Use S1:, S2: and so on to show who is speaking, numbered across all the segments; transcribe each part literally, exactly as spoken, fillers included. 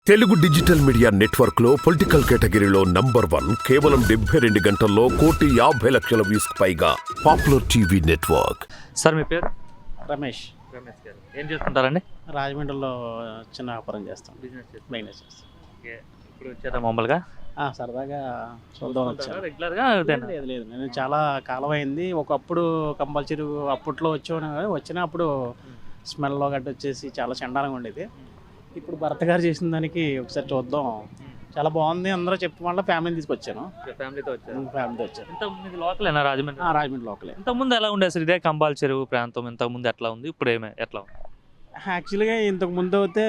S1: Telugu digital media network లో political కేటగిరీలో number one కేవలం డెబ్బై రెండు గంటల్లో కోటి యాభై లక్షల వ్యూస్ పైగా పాపులర్ టీవీ నెట్వర్క్.
S2: సార్ మీ పేరు?
S3: రమేష్.
S2: రమేష్ గారు ఏం చేస్తుంటారండి?
S3: రాజమండ్రిలో చిన్న వ్యాపారం చేస్తాం,
S2: బిజినెస్ చేస్తాం.
S3: బిజినెస్ చేస్తాం.
S2: ఓకే, ఇప్పుడు వచ్చారా మామూలుగా?
S3: ఆ, సరదాగా చూద్దాం వచ్చాను.
S2: రెగ్యులర్గా
S3: లేదు లేదు నేను చాలా కాలం అయింది. ఒకప్పుడు కంపల్సరీ అప్పట్లో వచ్చాను, వచ్చినప్పుడు స్మెల్లో గట్ట వచ్చేసి చాలా చండాలంగా ఉండేది. ఇప్పుడు భర్త గారు చేసిన దానికి ఒకసారి చూద్దాం, చాలా బాగుంది అందరూ చెప్పి వల్ల ఫ్యామిలీని తీసుకొచ్చాను.
S2: ఫ్యామిలీతో వచ్చారు?
S3: ఫ్యామిలీతో వచ్చాను.
S2: ఇంతకుముందు లోకలేనా రాజమండ్రి?
S3: ఆ, రాజమండ్రి లోకలే.
S2: ఇంతకుముందు ఎలా ఉండేది సార్ ఇదే కంబాల్ చెరువు ప్రాంతం? ఇంతకుముందు ఎట్లా ఉంది, ఇప్పుడు ఏమే ఎట్లా ఉంది?
S3: యాక్చువల్గా ఇంతకు ముందు అయితే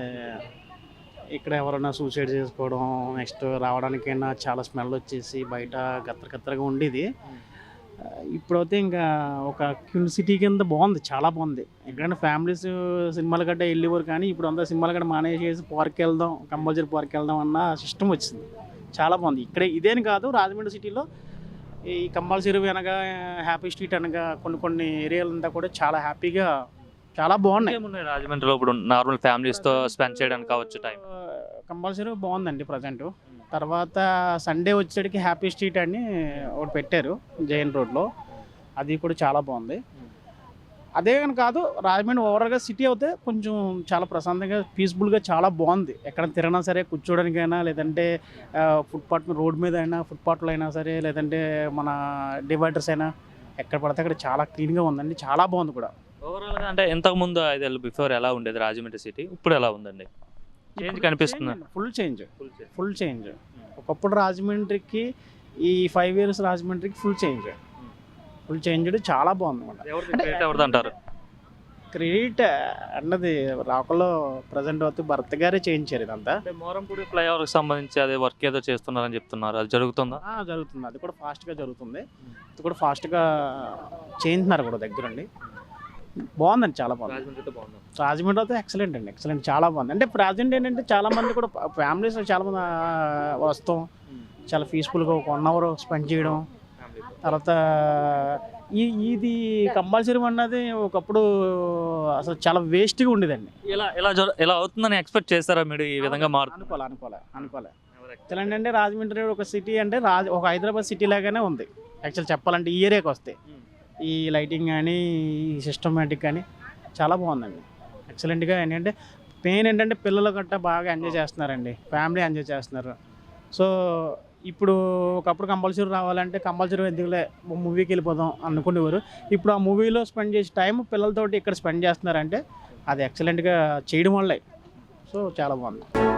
S3: ఇక్కడ ఎవరైనా సూసైడ్ చేసుకోవడం, నెక్స్ట్ రావడానికైనా చాలా స్మెల్ వచ్చేసి బయట గత్తర గత్తరగా ఉండేది. ఇప్పుడైతే ఇంకా ఒక క్యూన్ సిటీ కింద బాగుంది, చాలా బాగుంది. ఎక్కడైనా ఫ్యామిలీస్ సినిమాల గడ్డ వెళ్ళేవారు, కానీ ఇప్పుడు అంతా సినిమాల గడ్డ మానేసేసి పార్క్ వెళ్దాం, కంపల్సరీ పార్క్ వెళ్దాం అన్న సిస్టమ్ వచ్చింది. చాలా బాగుంది ఇక్కడే. ఇదేని కాదు, రాజమండ్రి సిటీలో ఈ కంపల్సరీ అనగా హ్యాపీ స్ట్రీట్ అనగా కొన్ని కొన్ని ఏరియాలంతా కూడా చాలా హ్యాపీగా చాలా బాగున్నాయి.
S2: రాజమండ్రిలో ఇప్పుడు నార్మల్ ఫ్యామిలీస్తో స్పెండ్ చేయడానికి కావచ్చు టైం
S3: కంపల్సరీ బాగుందండి ప్రజెంట్. తర్వాత సండే వచ్చేటికి హ్యాపీ స్ట్రీట్ అని ఒకటి పెట్టారు జైన్ రోడ్లో, అది కూడా చాలా బాగుంది. అదే కానీ కాదు, రాజమండ్రి ఓవరాల్గా సిటీ అయితే కొంచెం చాలా ప్రశాంతంగా పీస్ఫుల్గా చాలా బాగుంది. ఎక్కడ తిరిగినా సరే కూర్చోడానికైనా, లేదంటే ఫుట్పాత్ రోడ్ మీద అయినా, ఫుట్పాత్లో అయినా సరే, లేదంటే మన డివైడర్స్ అయినా, ఎక్కడ పడితే అక్కడ చాలా క్లీన్గా ఉందండి, చాలా బాగుంది కూడా
S2: ఓవరాల్గా. అంటే ఇంతకుముందు ఐదేళ్ళు బిఫోర్ ఎలా ఉండేది రాజమండ్రి సిటీ, ఇప్పుడు ఎలా ఉందండి? చేంజ్ కనిపిస్తుంది?
S3: Full change, full change. ఒకప్పుడు రాజమండ్రికి ఈ ఫైవ్ ఇయర్స్ రాజమండ్రికి ఫుల్ చేంజ్, ఫుల్ చేంజ్ చాలా బాగుంది అన్నమాట.
S2: ఎవరిది అంటారు
S3: క్రెడిట్ అన్నది? రాకలో ప్రజెంట్ అవుతూ భర్త గారే చేయించారు ఇదంతా.
S2: మోరంపూడి ఫ్లైఓవర్కి సంబంధించి అదే వర్క్ ఏదో చేస్తున్నారని చెప్తున్నారు, అది జరుగుతుందా?
S3: జరుగుతుంది, అది కూడా ఫాస్ట్గా జరుగుతుంది. అది కూడా ఫాస్ట్గా చేయించున్నారు కూడా దగ్గరండి. బాగుందండి, చాలా బాగుంది. రాజమండ్రి అయితే ఎక్సలెంట్ అండి, ఎక్సలెంట్, చాలా బాగుంది. అంటే ప్రజెంట్ ఏంటంటే చాలా మంది కూడా ఫ్యామిలీస్ చాలా మంది వస్తాం, చాలా పీస్ఫుల్గా ఒక వన్ అవర్ స్పెండ్ చేయడం. తర్వాత ఈ ఇది కంపల్సరీ అన్నది ఒకప్పుడు అసలు చాలా వేస్ట్గా ఉండేదండి.
S2: ఇలా ఇలా ఇలా అవుతుందని ఎక్స్పెక్ట్ చేస్తారా మీరు? ఈ విధంగా మారు
S3: అనుకోలే అనుకోలే అనుకోలే ఎక్సలెంట్ అంటే రాజమండ్రి ఒక సిటీ అంటే రాజ ఒక హైదరాబాద్ సిటీ లాగానే ఉంది యాక్చువల్ చెప్పాలంటే. ఈ ఏరియాకి వస్తే ఈ లైటింగ్ కానీ, ఈ సిస్టమేటిక్ కానీ చాలా బాగుందండి, ఎక్సలెంట్గా. ఏంటంటే మెయిన్ ఏంటంటే పిల్లలు గట్టా బాగా ఎంజాయ్ చేస్తున్నారండి, ఫ్యామిలీ ఎంజాయ్ చేస్తున్నారు. సో ఇప్పుడు ఒకప్పుడు కంపల్సరీ రావాలంటే కంపల్సరీ ఎందుకులే మూవీకి వెళ్ళిపోదాం అనుకునేవారు. ఇప్పుడు ఆ మూవీలో స్పెండ్ చేసే టైం పిల్లలతోటి ఇక్కడ స్పెండ్ చేస్తున్నారంటే అది ఎక్సలెంట్గా చేయడం వల్లే. సో చాలా బాగుంది.